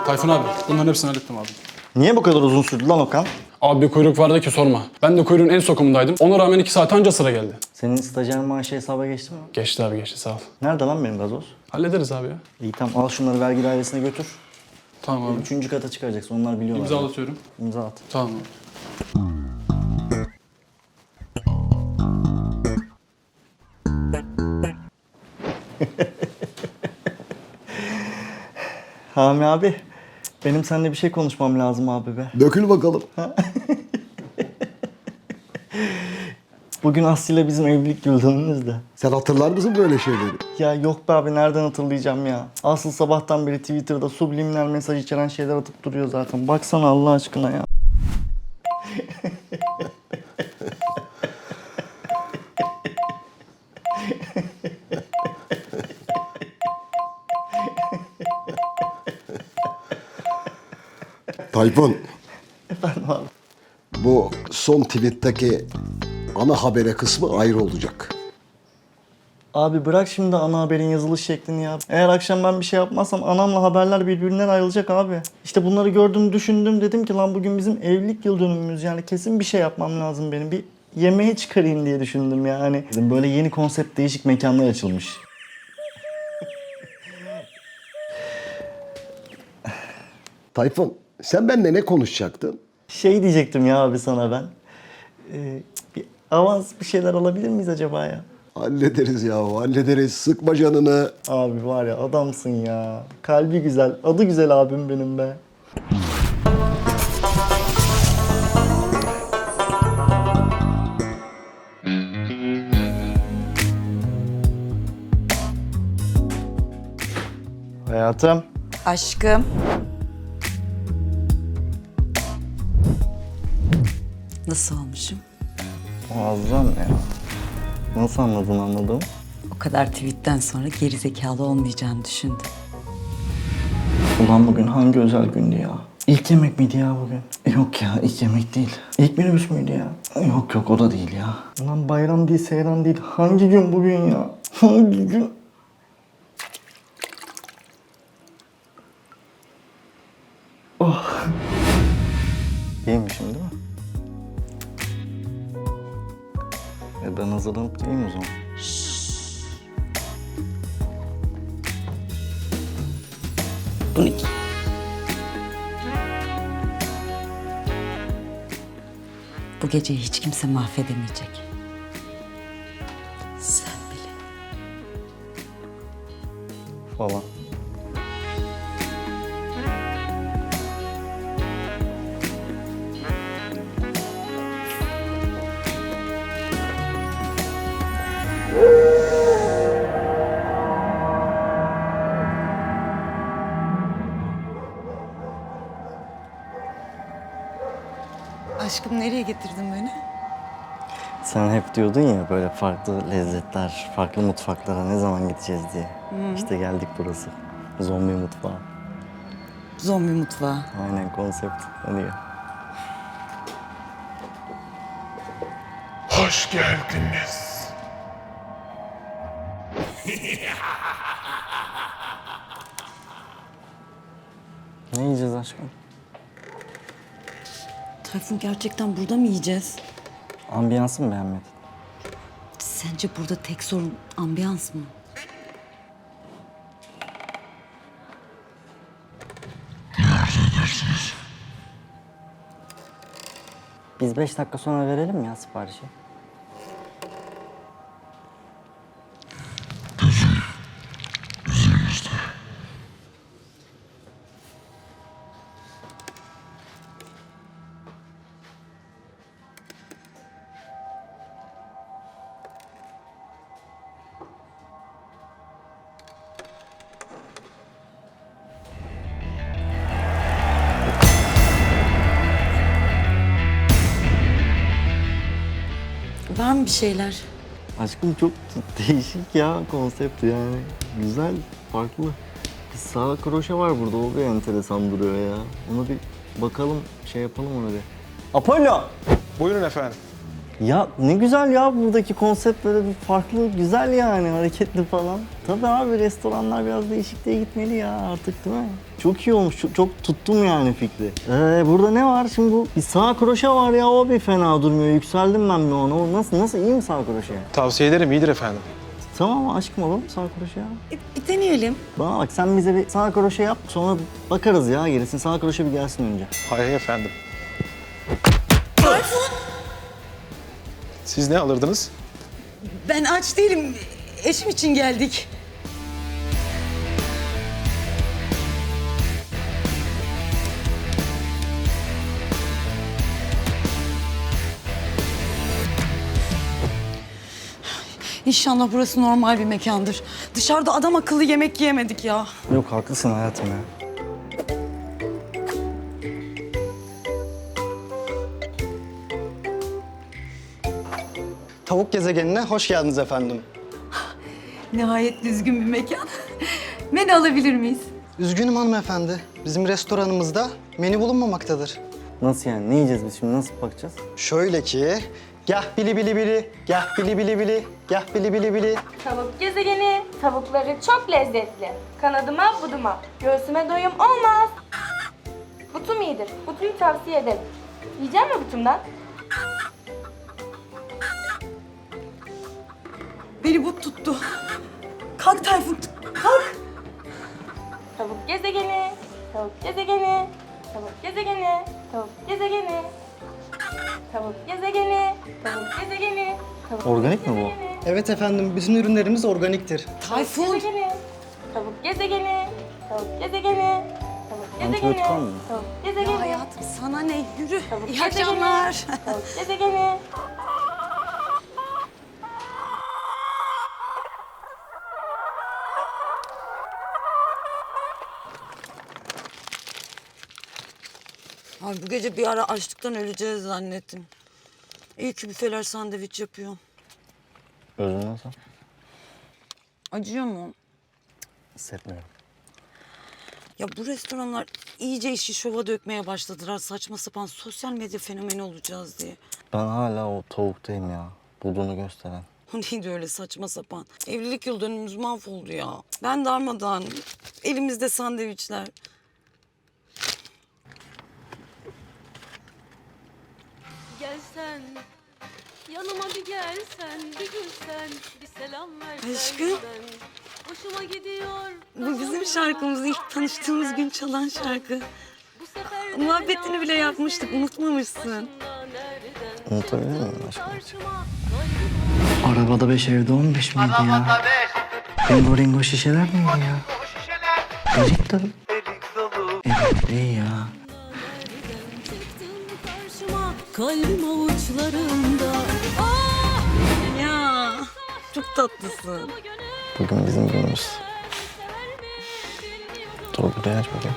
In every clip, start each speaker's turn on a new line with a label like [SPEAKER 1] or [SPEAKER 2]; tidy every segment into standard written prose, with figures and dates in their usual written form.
[SPEAKER 1] Tayfun abi, bunların hepsini hallettim abi.
[SPEAKER 2] Niye bu kadar uzun sürdü lan Okan?
[SPEAKER 1] Abi bir kuyruk vardı ki sorma. Ben de kuyruğun en sokumundaydım. Ona rağmen 2 saat anca sıra geldi.
[SPEAKER 2] Senin stajyer maaşı hesaba geçti mi?
[SPEAKER 1] Geçti abi geçti, sağ ol.
[SPEAKER 2] Nerede lan benim gazoz?
[SPEAKER 1] Hallederiz abi ya.
[SPEAKER 2] İyi tamam, al şunları vergi dairesine götür.
[SPEAKER 1] Tamam abi.
[SPEAKER 2] 3. kata çıkaracaksın, onlar biliyorlar.
[SPEAKER 1] İmzalatıyorum.
[SPEAKER 2] İmza at.
[SPEAKER 1] Tamam abi.
[SPEAKER 2] Hami abi, benim seninle bir şey konuşmam lazım abi be.
[SPEAKER 3] Dökül bakalım.
[SPEAKER 2] Bugün Aslı ile bizim evlilik yıl dönümümüz de.
[SPEAKER 3] Sen hatırlar mısın böyle şeyleri?
[SPEAKER 2] Ya yok be abi, nereden hatırlayacağım ya? Asıl sabahtan beri Twitter'da subliminal mesaj içeren şeyler atıp duruyor zaten. Baksana Allah aşkına ya.
[SPEAKER 3] Tayfun,
[SPEAKER 2] Efendim abi.
[SPEAKER 3] bu son tweet'teki ana habere kısmı ayrı olacak.
[SPEAKER 2] Abi bırak şimdi ana haberin yazılış şeklini ya. Eğer akşam ben bir şey yapmazsam anamla haberler birbirinden ayrılacak abi. İşte bunları gördüm, düşündüm, dedim ki lan bugün bizim evlilik yıl dönümümüz, yani kesin bir şey yapmam lazım benim. Bir yemeğe çıkarayım diye düşündüm yani. Böyle yeni konsept değişik mekanlar açılmış.
[SPEAKER 3] Tayfun, sen benimle ne konuşacaktın?
[SPEAKER 2] Şey diyecektim ya abi sana ben. Bir avans bir şeyler alabilir miyiz acaba ya?
[SPEAKER 3] Hallederiz ya, hallederiz. Sıkma canını.
[SPEAKER 2] Abi var ya, adamsın ya. Kalbi güzel, adı güzel abim benim be. Hayatım.
[SPEAKER 4] Aşkım. Nasıl olmuşum?
[SPEAKER 2] Muazzam ya. Nasıl anladın anladım?
[SPEAKER 4] O kadar tweetten sonra gerizekalı olmayacağını düşündüm.
[SPEAKER 2] Ulan bugün hangi özel gündü ya? İlk yemek miydi ya bugün? Yok ya, ilk yemek değil. İlk minibüs müydü ya? Yok yok, o da değil ya. Ulan bayram değil, seyran değil. Hangi gün bugün ya? Hangi gün? Oh. İyiymişim değil mi? Ben hazırlanıp geleyim o zaman.
[SPEAKER 4] Bu ne ki? Bu geceyi hiç kimse mahvedemeyecek. Sen bile.
[SPEAKER 2] Falan.
[SPEAKER 4] Aşkım, nereye getirdin beni?
[SPEAKER 2] Sen hep diyordun ya böyle farklı lezzetler, farklı mutfaklara ne zaman gideceğiz diye. İşte geldik burası. Zombi mutfağı.
[SPEAKER 4] Zombi mutfağı.
[SPEAKER 2] Aynen konsept. Hadi gel.
[SPEAKER 5] Hoş geldiniz.
[SPEAKER 2] Ne yiyeceğiz aşkım?
[SPEAKER 4] Tayfun, gerçekten burada mı yiyeceğiz?
[SPEAKER 2] Ambiyansı mı beğenmedin?
[SPEAKER 4] Sence burada tek sorun ambiyans mı?
[SPEAKER 2] Biz 5 dakika sonra verelim ya siparişi.
[SPEAKER 4] Var mı bir şeyler?
[SPEAKER 2] Aşkım çok değişik ya konsept yani. Güzel, farklı. Bir sağ kroşe var burada, o bir enteresan duruyor ya. Ona bir bakalım, şey yapalım ona bir. Apollo!
[SPEAKER 5] Buyurun efendim.
[SPEAKER 2] Ya ne güzel ya, buradaki konsept böyle bir farklı, güzel yani, hareketli falan. Tabii abi, restoranlar biraz değişikliğe gitmeli ya artık, değil mi? Çok iyi olmuş, çok tuttum yani fikri. Burada ne var şimdi, bu bir sağ kroşe var ya, o bir fena durmuyor. Yükseldim ben bir ona. O nasıl iyi mi sağ kroşe?
[SPEAKER 5] Tavsiye ederim, iyidir efendim.
[SPEAKER 2] Tamam aşkım, alalım sağ kroşe ya.
[SPEAKER 4] Bir deneyelim.
[SPEAKER 2] Bana bak, sen bize bir sağ kroşe yap, sonra bakarız ya gerisini. Sağ kroşe bir gelsin önce.
[SPEAKER 5] Hay efendim. Siz ne alırdınız?
[SPEAKER 4] Ben aç değilim. Eşim için geldik. İnşallah burası normal bir mekandır. Dışarıda adam akıllı yemek yiyemedik ya.
[SPEAKER 2] Yok, haklısın hayatım ya.
[SPEAKER 6] Tavuk gezegenine hoş geldiniz efendim.
[SPEAKER 4] Nihayet düzgün bir mekan. Menü alabilir miyiz?
[SPEAKER 6] Üzgünüm hanımefendi. Bizim restoranımızda menü bulunmamaktadır.
[SPEAKER 2] Nasıl yani? Ne yiyeceğiz biz şimdi? Nasıl bakacağız?
[SPEAKER 6] Şöyle ki, gah bili bili bili, gah bili bili bili, gah bili bili bili.
[SPEAKER 7] Tavuk gezegeni, tavukları çok lezzetli. Kanadıma, buduma, göğsüme doyum olmaz. Butum iyidir, butuyu tavsiye ederim. Yiyecek mi butumdan?
[SPEAKER 4] Beni but tuttu. Kalk Tayfun, kalk.
[SPEAKER 7] Tavuk gezegeni, tavuk gezegeni, tavuk gezegeni, tavuk gezegeni. Tavuk gezegeni, tavuk gezegeni, tavuk
[SPEAKER 2] Organik mi bu?
[SPEAKER 7] gezegeni,
[SPEAKER 6] Evet efendim, bütün ürünlerimiz organiktir.
[SPEAKER 4] Tayfun.
[SPEAKER 7] gezegeni, tavuk gezegeni, tavuk gezegeni, tavuk gezegeni,
[SPEAKER 2] Antibiyotik var mı?
[SPEAKER 7] tavuk
[SPEAKER 4] Ya
[SPEAKER 7] gezegeni.
[SPEAKER 4] hayatım sana ne? Yürü.
[SPEAKER 7] Tavuk
[SPEAKER 4] İyi
[SPEAKER 7] gezegeni,
[SPEAKER 4] akşamlar.
[SPEAKER 7] Tavuk gezegeni.
[SPEAKER 4] Ay bu gece bir ara açlıktan öleceğiz zannettim. İyi ki büfeler sandviç yapıyor.
[SPEAKER 2] Özün nasıl?
[SPEAKER 4] Acıyor mu?
[SPEAKER 2] Hissetmiyorum.
[SPEAKER 4] Ya bu restoranlar iyice işi şova dökmeye başladılar. Saçma sapan sosyal medya fenomeni olacağız diye.
[SPEAKER 2] Ben hala o tavuktayım ya. Bulduğunu gösteren.
[SPEAKER 4] O neydi öyle saçma sapan? Evlilik yıl dönümümüz mahvoldu ya. Ben darmadağın. Elimizde sandviçler.
[SPEAKER 8] Gelsen, yanıma bir gelsen, bir gülsen, bir selam versen.
[SPEAKER 4] Aşkım.
[SPEAKER 8] Ben, hoşuma gidiyor.
[SPEAKER 4] Bu bizim şarkımız. İlk tanıştığımız gün çalan şarkı.
[SPEAKER 8] Bu sefer de
[SPEAKER 4] Muhabbetini bile yapmıştık. Unutmamışsın.
[SPEAKER 8] nereden
[SPEAKER 2] Unutabilir miyim aşkım?
[SPEAKER 8] karşıma?
[SPEAKER 2] Arabada 5 evde 15 miydi ya? Bingo ringo şişeler miydi ya? Erik dalı. Evet iyi ya.
[SPEAKER 8] Çıktın karşıma, kalbim avuçlarında. Ah!
[SPEAKER 4] Ya çok tatlısın.
[SPEAKER 2] Bugün bizim günümüz.
[SPEAKER 8] Sever mi bilmiyorum.
[SPEAKER 2] Dur buraya aç bakayım.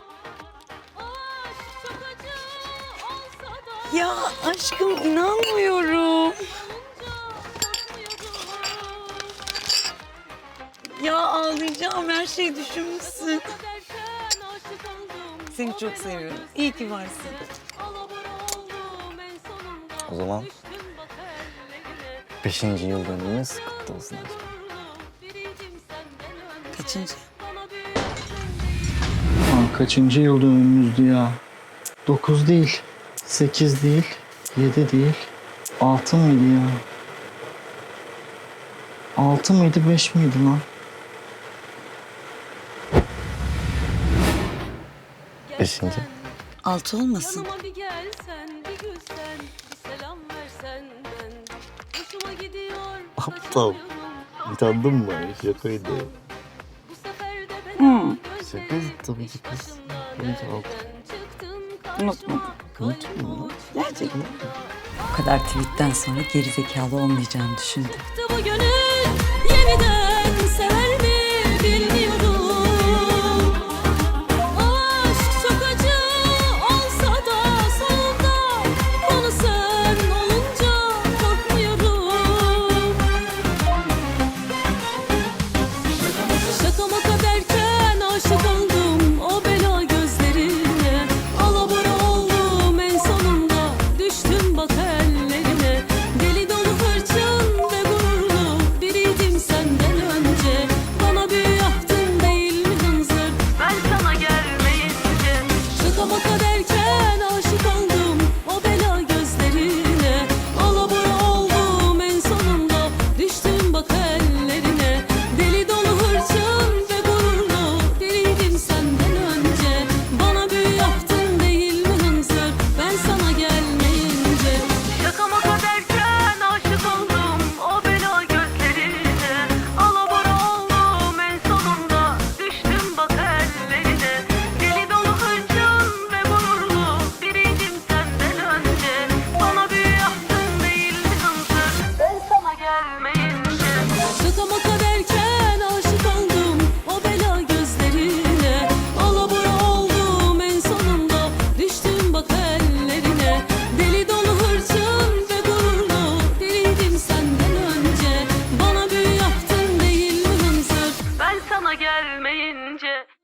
[SPEAKER 8] Aşk çok acı olsa da
[SPEAKER 4] Ya aşkım inanmıyorum. Ya ağlayacağım, her şeyi düşünmüşsün.
[SPEAKER 8] derken aşık oldum.
[SPEAKER 4] Seni çok seviyorum. İyi ki varsın.
[SPEAKER 8] Alabora oldum en sonunda.
[SPEAKER 2] O zaman
[SPEAKER 8] Düştüm bak ellerine.
[SPEAKER 2] 5. yıl dönümümüz kutlu olsun aşkım.
[SPEAKER 8] Biricim senden önce.
[SPEAKER 4] Kaçıncı?
[SPEAKER 8] Bana bir
[SPEAKER 2] Kaçıncı yıl dönümümüzdü ya? 9 değil, 8 değil, 7 değil, 6 mıydı ya? 6 mıydı, 5 miydi lan? 5.
[SPEAKER 4] 6 olmasın.
[SPEAKER 8] yanıma bir gelsen, bir gülsen, bir selam versen ben. Hoşuma gidiyor.
[SPEAKER 2] Aptal. Utandın mı? Şakaydı.
[SPEAKER 8] Bu sefer de ben
[SPEAKER 2] Şakaydı tabii ki kız. Bence 6.
[SPEAKER 4] Unutmadım. Gerçekten. O kadar tweetten sonra gerizekalı olmayacağını düşündüm.
[SPEAKER 8] Bu gönül yeniden sever mi bilmiyorum. Aşk çok acı olsa da sonunda konu sen olunca korkmuyorum. Şaka maka derken aşık oldum o bela gözlerine. Alabora oldum en sonunda düştüm bak ellerine. gelmeyince